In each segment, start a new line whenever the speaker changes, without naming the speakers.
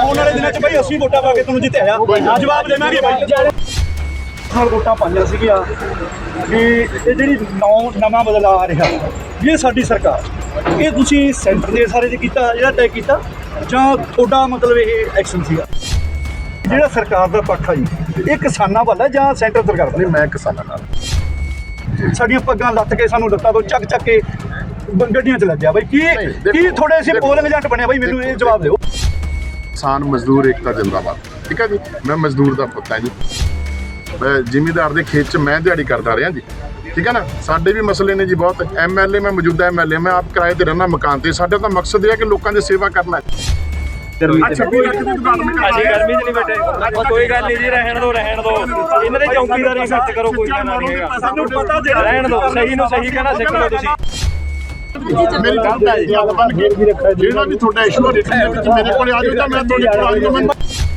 ਆਉਣ ਵਾਲੇ ਦਿਨਾਂ 'ਚ ਬਈ ਅਸੀਂ ਵੋਟਾਂ ਪਾ ਕੇ ਤੁਹਾਨੂੰ ਜਿੱਤਿਆ ਆ ਜਵਾਬ ਦੇਵਾਂਗੇ ਬਈ ਨਾਲ ਵੋਟਾਂ ਪਾਈਆਂ ਸੀਗੀਆਂ ਵੀ ਇਹ ਜਿਹੜੀ ਨਵਾਂ ਬਦਲਾਅ ਆ ਰਿਹਾ ਵੀ ਇਹ ਸਾਡੀ ਸਰਕਾਰ ਇਹ ਤੁਸੀਂ ਸੈਂਟਰ ਦੇ ਸਾਰੇ 'ਚ ਕੀਤਾ ਜਿਹੜਾ ਤੈਅ ਕੀਤਾ ਜਾਂ ਤੁਹਾਡਾ ਮਤਲਬ ਇਹ ਐਕਸ਼ਨ ਸੀਗਾ ਜਿਹੜਾ ਸਰਕਾਰ ਦਾ ਪੱਖ ਆ ਜੀ ਇਹ ਕਿਸਾਨਾਂ ਵੱਲ ਹੈ ਜਾਂ ਸੈਂਟਰ ਸਰਕਾਰ ਵੱਲ?
ਨਹੀਂ, ਮੈਂ ਕਿਸਾਨਾਂ ਨਾਲ
ਸਾਡੀਆਂ ਪੱਗਾਂ ਲੱਥ ਕੇ ਸਾਨੂੰ ਲੱਤਾਂ ਤੋਂ ਚੱਕ ਕੇ ਗੱਡੀਆਂ 'ਚ ਲੱਗਿਆ ਬਈ ਕੀ ਥੋੜੇ ਅਸੀਂ ਪੋਲਿੰਗ ਏਜੰਟ ਬਣਿਆ ਬਈ ਮੈਨੂੰ ਇਹ ਜਵਾਬ ਦਿਓ।
ਕਿਸਾਨ ਮਜ਼ਦੂਰ ਏਕਤਾ ਜਿੰਦਾਬਾਦ। ਠੀਕ ਹੈ ਜੀ, ਮੈਂ ਮਜ਼ਦੂਰ ਦਾ ਪੁੱਤ ਹਾਂ ਜੀ, ਮੈਂ ਜ਼ਿਮੀਂਦਾਰ ਦੇ ਖੇਤ 'ਚ ਮੈਂ ਦਿਹਾੜੀ ਕਰਦਾ ਰਿਹਾ ਜੀ। ਠੀਕ ਹੈ ਨਾ, ਸਾਡੇ ਵੀ ਮਸਲੇ ਨੇ ਜੀ ਬਹੁਤ। ਐਮਐਲਏ ਮੈਂ ਮੌਜੂਦਾ ਐਮਐਲਏ ਮੈਂ ਆਪ ਕਿਰਾਏ ਤੇ ਰਹਿਣਾ ਮਕਾਨ ਤੇ। ਸਾਡਾ ਤਾਂ ਮਕਸਦ ਇਹ ਹੈ ਕਿ ਲੋਕਾਂ ਦੀ ਸੇਵਾ ਕਰਨਾ ਹੈ।
ਅਸੀਂ ਗਰਮੀ 'ਚ ਨਹੀਂ ਬੈਠੇ, ਕੋਈ ਗੱਲ ਨਹੀਂ ਜੀ, ਰਹਿਣ ਦੋ ਇਹਨਾਂ ਦੇ ਚੌਕੀਦਾਰੀ ਸੱਚ ਕਰੋ, ਕੋਈ ਗੱਲ ਨਹੀਂ ਹੈਗਾ, ਸਾਨੂੰ ਪਤਾ ਰਹਿਣ ਦੋ। ਸਹੀ ਨੂੰ ਸਹੀ ਕਹਿਣਾ ਸਿੱਖ ਲਓ ਤੁਸੀਂ।
ਮੇਰੀ ਗੱਲ ਹੈ ਜੀ, ਆਪਾਂ ਜਿਹੜਾ ਵੀ ਤੁਹਾਡਾ ਇਸ਼ੂ ਮੇਰੇ ਕੋਲ ਆ ਜਾਊਗਾ ਮੈਂ ਤੁਹਾਡੀ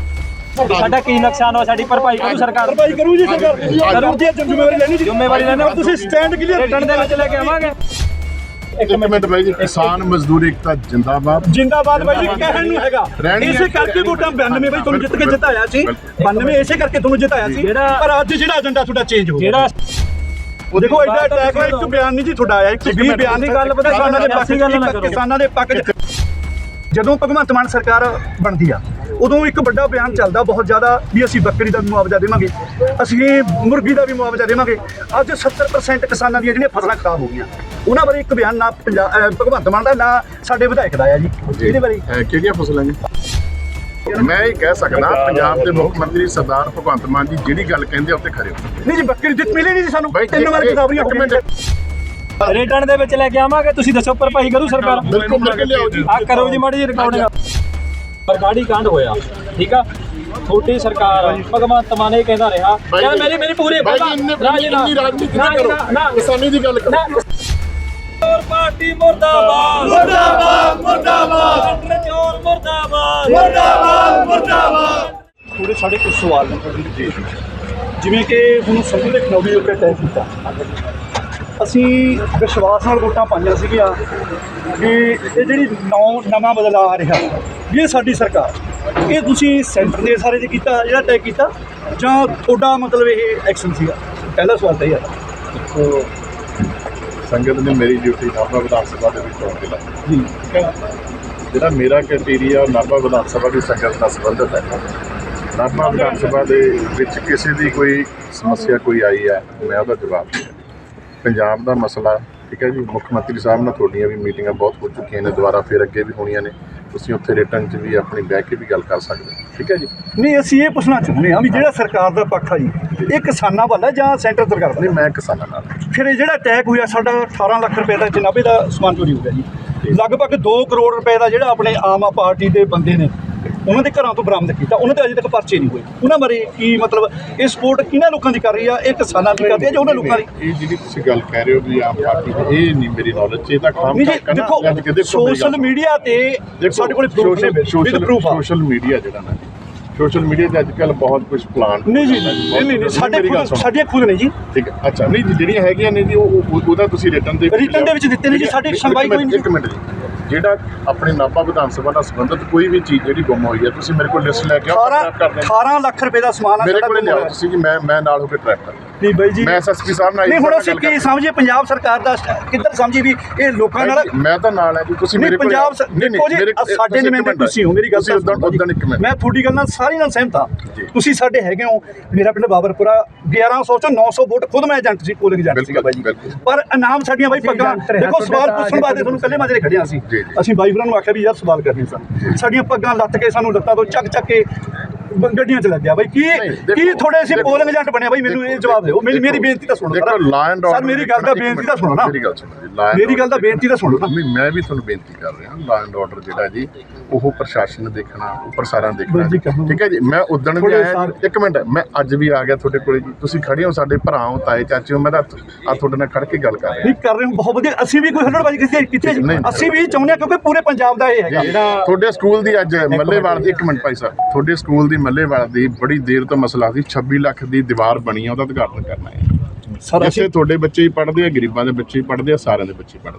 ਸਾਡਾ ਕੀ ਨੁਕਸਾਨ ਹੋਇਆ, ਸਾਡੀ ਭਰਪਾਈ ਕਰੂ ਸਰਕਾਰ।
ਭਰਪਾਈ ਕਰੂ ਜੀ ਸਰਕਾਰ, ਕਰੂ ਜੀ, ਜ਼ਿੰਮੇਵਾਰੀ ਲੈਣੀ ਜੀ,
ਜ਼ਿੰਮੇਵਾਰੀ ਲੈਣੀ।
ਤੁਸੀਂ ਸਟੈਂਡ ਕਲੀਅਰ
ਰਿਟਰਨ ਦੇ ਵਿੱਚ ਲੈ ਕੇ ਆਵਾਂਗੇ।
ਇੱਕ ਮਿੰਟ ਬਾਈ ਜੀ, ਕਿਸਾਨ ਮਜ਼ਦੂਰ ਏਕਤਾ ਜਿੰਦਾਬਾਦ
ਜਿੰਦਾਬਾਦ ਬਾਈ ਜੀ, ਕਹਿਣ ਨੂੰ ਹੈਗਾ। ਇਸੇ ਕਰਕੇ ਵੋਟਾਂ 92 ਬਾਈ ਤੁਹਾਨੂੰ ਜਿੱਤ ਕੇ ਜਿਤਾਇਆ ਸੀ, 92 ਇਸੇ ਕਰਕੇ ਤੁਹਾਨੂੰ ਜਿਤਾਇਆ ਸੀ। ਪਰ ਅੱਜ ਜਿਹੜਾ ਏਜੰਡਾ ਤੁਹਾਡਾ ਚੇਂਜ ਹੋ ਗਿਆ। ਦੇਖੋ ਐਡਾ ਅਟੈਕ ਇੱਕ ਬਿਆਨ ਨਹੀਂ ਜੀ ਤੁਹਾਡਾ ਆਇਆ, 120 ਬਿਆਨ ਦੀ ਗੱਲ ਪਤਾ ਕਿਸਾਨਾਂ ਦੇ ਪੱਖ, ਕਿਸਾਨਾਂ ਦੇ ਪੱਖ। ਜਦੋਂ ਭਗਵੰਤ ਮਾਨ ਸਰਕਾਰ ਬਣਦੀ ਆ ਉਦੋਂ ਇੱਕ ਵੱਡਾ ਬਿਆਨ ਚੱਲਦਾ ਬਹੁਤ ਜ਼ਿਆਦਾ ਵੀ ਅਸੀਂ ਬੱਕਰੀ ਦਾ ਵੀ ਮੁਆਵਜ਼ਾ ਦੇਵਾਂਗੇ, ਅਸੀਂ ਮੁਰਗੀ ਦਾ ਵੀ ਮੁਆਵਜ਼ਾ ਦੇਵਾਂਗੇ। ਅੱਜ 70% ਕਿਸਾਨਾਂ ਦੀਆਂ ਜਿਹੜੀਆਂ ਫਸਲਾਂ ਖਰਾਬ ਹੋ ਗਈਆਂ, ਉਹਨਾਂ ਬਾਰੇ ਇੱਕ ਬਿਆਨ ਨਾ ਭਗਵੰਤ ਮਾਨ ਦਾ ਨਾ ਸਾਡੇ ਵਿਧਾਇਕ ਦਾ ਆ ਜੀ। ਇਹਦੇ ਬਾਰੇ
ਕਿਹੜੀਆਂ ਫਸਲਾਂ ਜੀ? ਮੈਂ ਇਹ ਕਹਿ ਸਕਦਾ ਪੰਜਾਬ ਦੇ ਮੁੱਖ ਮੰਤਰੀ ਸਰਦਾਰ ਭਗਵੰਤ ਮਾਨ ਜੀ ਜਿਹੜੀ ਗੱਲ ਕਹਿੰਦੇ ਉੱਤੇ ਖਰੇ ਹੋ।
ਨਹੀਂ ਜੀ, ਬੱਕਰੀ ਦਿੱਤ ਮਿਲੇ ਨਹੀਂ ਜੀ ਸਾਨੂੰ, 3 ਵਾਰ ਕਿਤਾਬੀਆਂ ਹੋ ਗਈਆਂ।
ਰਿਟਰਨ ਦੇ ਵਿੱਚ ਲੈ ਕੇ ਆਵਾਂਗੇ, ਤੁਸੀਂ ਦੱਸੋ ਭਰਪਾਈ ਕਰੂ ਸਰਕਾਰ?
ਬਿਲਕੁਲ ਕਰਕੇ ਲਿਆਓ ਜੀ।
ਆ ਕਰੋ ਜੀ ਮਾੜੀ ਜਿਹੀ ਰਿਕਾਰਡਿੰਗ। ਬਰਗਾੜੀ ਕਾਂਡ ਹੋਇਆ, ਠੀਕ ਆ, ਛੋਟੀ ਸਰਕਾਰ ਭਗਵੰਤ ਮਾਨ ਇਹ ਕਹਿੰਦਾ ਰਿਹਾ ਮੇਰੀ ਪੂਰੀ
ਰਾਜਨੀਤੀ ਨਾ ਕਰੋ, ਕਿਸਾਨੀ ਦੀ ਗੱਲ ਕਰੋ।
ਚੋਰ ਪਾਰਟੀ ਮੁਰਦਾਬਾਦ, ਮੁਰਦਾਬਾਦ, ਮੁਰਦਾਬਾਦ, ਚੋਰ ਮੁਰਦਾਬਾਦ, ਮੁਰਦਾਬਾਦ, ਮੁਰਦਾਬਾਦ।
ਥੋੜੇ ਸਾਡੇ ਕੁਝ ਸਵਾਲ ਨੇ, ਜਿਵੇਂ ਕਿ ਹੁਣ ਸੰਧੂ ਦੇ ਖਨੌਰੀ ਉੱਤੇ ਤੈਅ ਕੀਤਾ, ਅਸੀਂ ਵਿਸ਼ਵਾਸ ਨਾਲ ਵੋਟਾਂ ਪਾਈਆਂ ਸੀਗੀਆਂ ਵੀ ਇਹ ਜਿਹੜੀ ਨਵਾਂ ਬਦਲਾਅ ਆ ਰਿਹਾ ਵੀ ਇਹ ਸਾਡੀ ਸਰਕਾਰ ਇਹ ਤੁਸੀਂ ਸੈਂਟਰ ਦੇ ਸਾਰੇ 'ਚ ਕੀਤਾ ਜਿਹੜਾ ਤੈਅ ਕੀਤਾ ਜਾਂ ਤੁਹਾਡਾ ਮਤਲਬ ਇਹ ਐਕਸ਼ਨ ਸੀਗਾ? ਪਹਿਲਾ ਸਵਾਲ ਤਾਂ ਇਹ ਹੈ।
ਦੇਖੋ, ਸੰਗਤ ਨੇ ਮੇਰੀ ਡਿਊਟੀ ਨਾਭਾ ਵਿਧਾਨ ਸਭਾ ਦੇ ਵਿੱਚ ਚੋਣ ਤੇ ਲਾਈ ਜੀ। ਜਿਹੜਾ ਮੇਰਾ ਕ੍ਰਾਈਟੇਰੀਆ ਨਾਭਾ ਵਿਧਾਨ ਸਭਾ ਦੀ ਸੰਗਤ ਨਾਲ ਸੰਬੰਧਿਤ ਹੈ। ਨਾਭਾ ਵਿਧਾਨ ਸਭਾ ਦੇ ਵਿੱਚ ਕਿਸੇ ਦੀ ਕੋਈ ਸਮੱਸਿਆ ਕੋਈ ਆਈ ਹੈ, ਮੈਂ ਉਹਦਾ ਜਵਾਬ ਦਿੰਦਾ। ਪੰਜਾਬ ਦਾ ਮਸਲਾ, ਠੀਕ ਹੈ ਜੀ, ਮੁੱਖ ਮੰਤਰੀ ਸਾਹਿਬ ਨਾਲ ਤੁਹਾਡੀਆਂ ਵੀ ਮੀਟਿੰਗਾਂ ਬਹੁਤ ਹੋ ਚੁੱਕੀਆਂ ਨੇ, ਦੁਬਾਰਾ ਫਿਰ ਅੱਗੇ ਵੀ ਹੋਣੀਆਂ ਨੇ। ਤੁਸੀਂ ਉੱਥੇ ਰਿਟਰਨ 'ਚ ਵੀ ਆਪਣੀ ਬਹਿ ਕੇ ਵੀ ਗੱਲ ਕਰ ਸਕਦੇ ਹੋ, ਠੀਕ ਹੈ ਜੀ।
ਨਹੀਂ, ਅਸੀਂ ਇਹ ਪੁੱਛਣਾ ਚਾਹੁੰਦੇ ਹਾਂ ਵੀ ਜਿਹੜਾ ਸਰਕਾਰ ਦਾ ਪੱਖ ਆ ਜੀ ਇਹ ਕਿਸਾਨਾਂ ਵੱਲ ਹੈ ਜਾਂ ਸੈਂਟਰ ਸਰਕਾਰ ਵੱਲ?
ਨਹੀਂ, ਮੈਂ ਕਿਸਾਨਾਂ ਨਾਲ।
ਫਿਰ ਇਹ ਜਿਹੜਾ ਅਟੈਕ ਹੋਇਆ ਸਾਡਾ 18 ਲੱਖ ਰੁਪਏ ਦਾ ਜਨਾਬੇ ਦਾ ਸਮਾਨ ਚੋਰੀ ਹੋ ਗਿਆ ਜੀ, ਲਗਭਗ 2 ਕਰੋੜ ਰੁਪਏ ਦਾ ਜਿਹੜਾ ਆਪਣੇ ਆਮ ਪਾਰਟੀ ਦੇ ਬੰਦੇ ਨੇ ਉਹਨਾਂ ਦੇ ਘਰਾਂ ਤੋਂ ਬਰਾਮਦ ਕੀਤਾ, ਉਹਨਾਂ ਦੇ ਅਜੇ ਤੱਕ ਪਰਚੇ ਨਹੀਂ ਹੋਏ। ਉਹਨਾਂ ਬਾਰੇ ਕੀ ਮਤਲਬ ਇਹ ਸਪੋਰਟ ਕਿਹਨਾਂ ਲੋਕਾਂ ਦੀ ਕਰ ਰਹੀ ਆ? ਇਹ ਕਿਸਾਨਾਂ ਦੀ ਕਰਦੀ ਆ ਜਾਂ ਉਹਨਾਂ ਲੋਕਾਂ ਦੀ?
ਇਹ ਜਿਹੜੀ ਤੁਸੀਂ ਗੱਲ ਕਹਿ ਰਹੇ ਹੋ ਵੀ ਆਮ ਪਾਰਟੀ ਦੀ, ਇਹ ਨਹੀਂ ਮੇਰੀ ਨੌਲੇਜ 'ਚ। ਇਹ ਤਾਂ ਖਾਮ
ਦੇਖੋ, ਸੋਸ਼ਲ ਮੀਡੀਆ ਤੇ ਸਾਡੇ ਕੋਲ
ਸੋਸ਼ਲ ਮੀਡੀਆ ਜਿਹੜਾ ਨਾ, ਸੋਸ਼ਲ ਮੀਡੀਆ ਤੇ ਅੱਜ ਕੱਲ੍ਹ ਬਹੁਤ ਕੁਝ ਪਲਾਨ
ਨਹੀਂ ਜੀ, ਨਹੀਂ ਸਾਡੀਆਂ ਖੁਦ ਨੇ ਜੀ।
ਠੀਕ ਹੈ, ਅੱਛਾ, ਨਹੀਂ ਜਿਹੜੀਆਂ ਹੈਗੀਆਂ ਨੇ ਜੀ ਉਹਦਾ ਤੁਸੀਂ ਰਿਟਰਨ ਦੇ
ਵਿੱਚ ਦਿੱਤੇ ਨੇ ਜੀ। ਸਾਡੀ ਸੁਣਵਾਈ ਕੋਈ ਨਹੀਂ।
ਇੱਕ ਮਿੰਟ ਜੀ, ਜਿਹੜਾ ਆਪਣੇ ਨਾਭਾ ਵਿਧਾਨ ਸਭਾ ਨਾਲ ਸੰਬੰਧਿਤ ਕੋਈ ਵੀ ਚੀਜ਼ ਜਿਹੜੀ ਗੁੰਮ ਹੋਈ ਹੈ, ਤੁਸੀਂ ਮੇਰੇ ਕੋਲ ਲਿਸਟ ਲੈ ਕੇ ਆਓ।
18 ਲੱਖ ਰੁਪਏ ਦਾ ਸਮਾਨ
ਮੇਰੇ ਕੋਲ ਲਿਆਓ ਤੁਸੀਂ ਜੀ, ਮੈਂ ਨਾਲ ਹੋ ਕੇ ਟਰੈਕ ਕਰਾਂ।
ਨਹੀਂ ਬਾਈ ਜੀ,
ਮੈਂ ਐਸਐਸਪੀ ਸਾਹਿਬ ਨਾਲ
ਨਹੀਂ, ਹੁਣ ਅਸੀਂ ਕੀ ਸਮਝੀਏ ਪੰਜਾਬ ਸਰਕਾਰ ਦਾ ਕਿੱਧਰ ਸਮਝੀ ਵੀ ਇਹ ਲੋਕਾਂ ਨਾਲ?
ਮੈਂ ਤਾਂ ਨਾਲ ਹੈ ਜੀ, ਤੁਸੀਂ ਮੇਰੇ ਕੋਲ
ਪੰਜਾਬ ਸਾਡੇ ਨੁਮਾਇੰਦੇ ਤੁਸੀਂ ਹੋ। ਮੇਰੀ ਗੱਲ
ਉਦੋਂ ਇੱਕ ਮਿੰਟ,
ਮੈਂ ਤੁਹਾਡੀ ਗੱਲ ਨਾਲ ਸਾਰੀ ਨਾਲ ਸਹਿਮਤ ਹਾਂ। ਤੁਸੀਂ ਸਾਡੇ ਹੈਗੇ ਹੋ। ਮੇਰਾ ਪਿੰਡ ਬਾਬਰਪੁਰਾ 1100 ਚੋਂ 900 ਵੋਟ ਖੁਦ ਮੈਂ ਏਜੰਟ ਸੀ, ਪੋਲਿੰਗ ਏਜੰਟ ਸੀਗਾ ਬਾਈ ਜੀ। ਪਰ ਇਨਾਮ ਸਾਡੀਆਂ ਬਾਈ ਪੱਗਾਂ, ਦੇਖੋ ਸਵਾਲ ਪੁੱਛਣ ਵਾਸਤੇ ਤੁਹਾਨੂੰ ਪਹਿਲੇ ਮਾਜਰੇ ਖੜਿਆ ਸੀ। ਅਸੀਂ ਬਾਈ ਭਰਾ ਨੂੰ ਆਖਿਆ ਵੀ ਯਾਰ ਸਵਾਲ ਕਰਨੇ ਸਨ, ਸਾਡੀਆਂ ਪੱਗਾਂ ਲੱਥ ਕੇ ਸਾਨੂੰ ਲੱਤਾਂ ਤੋਂ ਚੱਕ ਕੇ ਗੱਡੀਆਂ 'ਚ ਲੱਗਿਆ ਬਾਈ। ਕੀ ਥੋੜੇ ਅਸੀਂ ਪੋਲਿੰਗ ਏਜੰਟ ਬਣਿਆ ਬਾਈ? ਮੈਨੂੰ ਇਹ ਜਵਾਬ ਦਿਓ। ਮੇਰੀ ਬੇਨਤੀ ਤਾਂ ਸੁਣੋ ਸਰ, ਮੇਰੀ ਗੱਲ ਦਾ ਬੇਨਤੀ ਤਾਂ ਸੁਣੋ ਨਾ, ਮੇਰੀ ਗੱਲ ਦਾ ਬੇਨਤੀ ਤਾਂ ਸੁਣੋ ਨਾ।
ਮੈਂ ਵੀ ਤੁਹਾਨੂੰ ਬੇਨਤੀ ਕਰ ਰਿਹਾ, ਲਾ ਐਂਡ ਆਰਡਰ ਜਿਹੜਾ ਜੀ ਉਹ ਪ੍ਰਸ਼ਾਸਨ ਨੇ ਦੇਖਣਾ, ਉੱਪਰ ਸਾਰਿਆਂ ਦੇਖਣਾ, ਠੀਕ ਹੈ ਜੀ। ਮੈਂ ਉਦਣ ਵੀ ਆਇਆ, ਇੱਕ ਮਿੰਟ, ਮੈਂ ਅੱਜ ਵੀ ਆ ਗਿਆ ਤੁਹਾਡੇ ਕੋਲੇ ਜੀ। ਤੁਸੀਂ ਖੜੇ ਹੋ, ਸਾਡੇ ਭਰਾ ਹੋ, ਤਾਏ ਚਾਚੇ ਹੋ, ਮੈਂ ਤਾਂ ਆ ਤੁਹਾਡੇ ਨਾਲ ਖੜ ਕੇ ਗੱਲ ਕਰ ਰਿਹਾ।
ਨਹੀਂ ਕਰ ਰਹੇ ਹੋ, ਬਹੁਤ ਵਧੀਆ। ਅਸੀਂ ਵੀ ਕੋਈ ਹੱਲੜਬਾਜ਼ੀ ਕੀਤੀ, ਅਸੀਂ ਵੀ ਚਾਹੁੰਦੇ ਹਾਂ ਕਿਉਂਕਿ ਪੂਰੇ ਪੰਜਾਬ ਦਾ ਇਹ ਹੈਗਾ।
ਤੁਹਾਡੇ ਸਕੂਲ ਦੀ ਅੱਜ ਮੱਲੇਵਾਲ ਦੀ, ਇੱਕ ਮਿੰਟ ਭਾਈ ਸਾਹਿਬ, ਤੁਹਾਡੇ ਸਕੂਲ ਦੀ ਮੱਲੇਵਾਲ ਦੀ ਬੜੀ ਦੇਰ ਤੋਂ ਮਸਲਾ ਸੀ, 26 ਲੱਖ ਦੀ ਦੀਵਾਰ ਬਣੀ ਆ, ਉਹਦਾ ਉਦਘਾਟਨ ਕਰਨਾ ਹੈ। ਜਿੱਥੇ ਤੁਹਾਡੇ ਬੱਚੇ ਹੀ ਪੜ੍ਹਦੇ ਆ, ਗਰੀਬਾਂ ਦੇ ਬੱਚੇ ਹੀ ਪੜ੍ਹਦੇ ਆ, ਸਾਰਿਆਂ ਦੇ ਬੱਚੇ ਪੜ੍ਹਦੇ ਆ।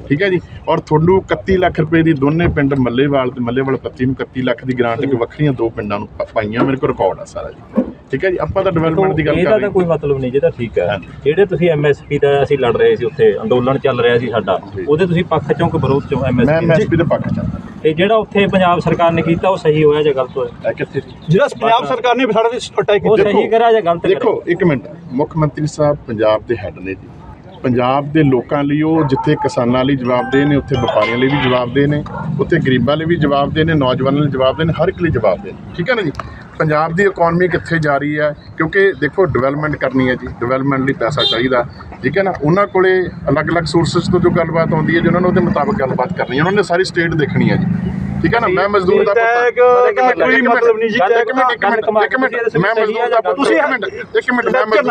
ਠੀਕ ਹੈ ਜੀ। ਔਰ ਤੁਹਾਨੂੰ 31 ਲੱਖ ਰੁਪਏ ਦੀ ਦੋਨੇ ਪਿੰਡ ਮੱਲੇਵਾਲ ਤੇ ਮੱਲੇਵਾਲ ਪੱਤੀ ਨੂੰ 31 ਲੱਖ ਦੀ ਗ੍ਰਾਂਟ ਕਿ ਵੱਖਰੀਆਂ 2 ਪਿੰਡਾਂ ਨੂੰ ਪਾਈਆਂ, ਮੇਰੇ ਕੋਲ ਰਿਕਾਰਡ ਆ ਸਾਰਾ ਜੀ। ਠੀਕ ਹੈ ਜੀ, ਆਪਾਂ ਤਾਂ ਡਿਵੈਲਪਮੈਂਟ ਦੀ ਗੱਲ ਕਰ ਰਹੇ ਹਾਂ।
ਇਹਦਾ ਤਾਂ ਕੋਈ ਮਤਲਬ ਨਹੀਂ, ਜਿਹਦਾ ਠੀਕ ਹੈ। ਜਿਹੜੇ ਤੁਸੀਂ ਐਮਐਸਪੀ ਦਾ ਅਸੀਂ ਲੜ ਰਹੇ ਸੀ, ਉੱਥੇ ਅੰਦੋਲਨ ਚੱਲ ਰਿਹਾ ਸੀ ਸਾਡਾ, ਉਹਦੇ ਤੁਸੀਂ ਪੱਖ ਚੋਂ ਕਿ ਵਿਰੋਧ ਚੋਂ?
ਮੈਂ ਐਮਐਸਪੀ ਦੇ ਪੱਖ ਚ।
ਤੇ ਜਿਹੜਾ ਉੱਥੇ ਪੰਜਾਬ ਸਰਕਾਰ ਨੇ ਕੀਤਾ ਉਹ ਸਹੀ ਹੋਇਆ ਜਾਂ ਗਲਤ ਹੋਇਆ?
ਕਿੱਥੇ
ਜਿਹੜਾ ਪੰਜਾਬ ਸਰਕਾਰ ਨੇ ਸਾਡਾ ਅਟੈਕ
ਉਹ ਸਹੀ ਕਰਿਆ ਜਾਂ ਗਲਤ ਕਰਿਆ?
ਦੇਖੋ ਇੱਕ ਮਿੰਟ, ਮੁੱਖ ਮੰਤਰੀ ਸਾਹਿਬ ਪੰਜਾਬ ਦੇ ਹੈੱਡ ਨੇ ਜੀ। ਪੰਜਾਬ ਦੇ ਲੋਕਾਂ ਲਈ ਉਹ ਜਿੱਥੇ ਕਿਸਾਨਾਂ ਲਈ ਜਵਾਬਦੇਹ ਨੇ, ਉੱਥੇ ਵਪਾਰੀਆਂ ਲਈ ਵੀ ਜਵਾਬਦੇਹ ਨੇ, ਉੱਥੇ ਗਰੀਬਾਂ ਲਈ ਵੀ ਜਵਾਬਦੇਹ ਨੇ, ਨੌਜਵਾਨਾਂ ਲਈ ਜਵਾਬਦੇਹ ਨੇ, ਹਰ ਇੱਕ ਲਈ ਜਵਾਬਦੇਹ ਨੇ। ਠੀਕ ਹੈ ਨਾ ਜੀ। ਪੰਜਾਬ ਦੀ ਇਕਨੋਮੀ ਕਿੱਥੇ ਜਾ ਰਹੀ ਹੈ, ਕਿਉਂਕਿ ਦੇਖੋ ਡਿਵੈਲਪਮੈਂਟ ਕਰਨੀ ਹੈ ਜੀ, ਡਿਵੈਲਪਮੈਂਟ ਲਈ ਪੈਸਾ ਚਾਹੀਦਾ। ਠੀਕ ਹੈ ਨਾ। ਉਹਨਾਂ ਕੋਲੇ ਅਲੱਗ-ਅਲੱਗ ਸੋਰਸਿਸ ਤੋਂ ਜੋ ਗੱਲਬਾਤ ਆਉਂਦੀ ਹੈ ਜੀ, ਉਹਨਾਂ ਨੂੰ ਉਹਦੇ ਮੁਤਾਬਕ ਗੱਲਬਾਤ ਕਰਨੀ ਹੈ। ਉਹਨਾਂ ਨੇ ਸਾਰੀ ਸਟੇਟ ਦੇਖਣੀ ਹੈ ਜੀ। ਠੀਕ ਹੈ ਨਾ। ਮੈਂ ਮਜ਼ਦੂਰ ਦਾ
ਕੋਈ ਮਤਲਬ ਨਹੀਂ ਜੀ।
ਇੱਕ ਮਿੰਟ ਮੈਂ ਮਜ਼ਦੂਰ ਦਾ ਤੁਸੀਂ ਇੱਕ ਮਿੰਟ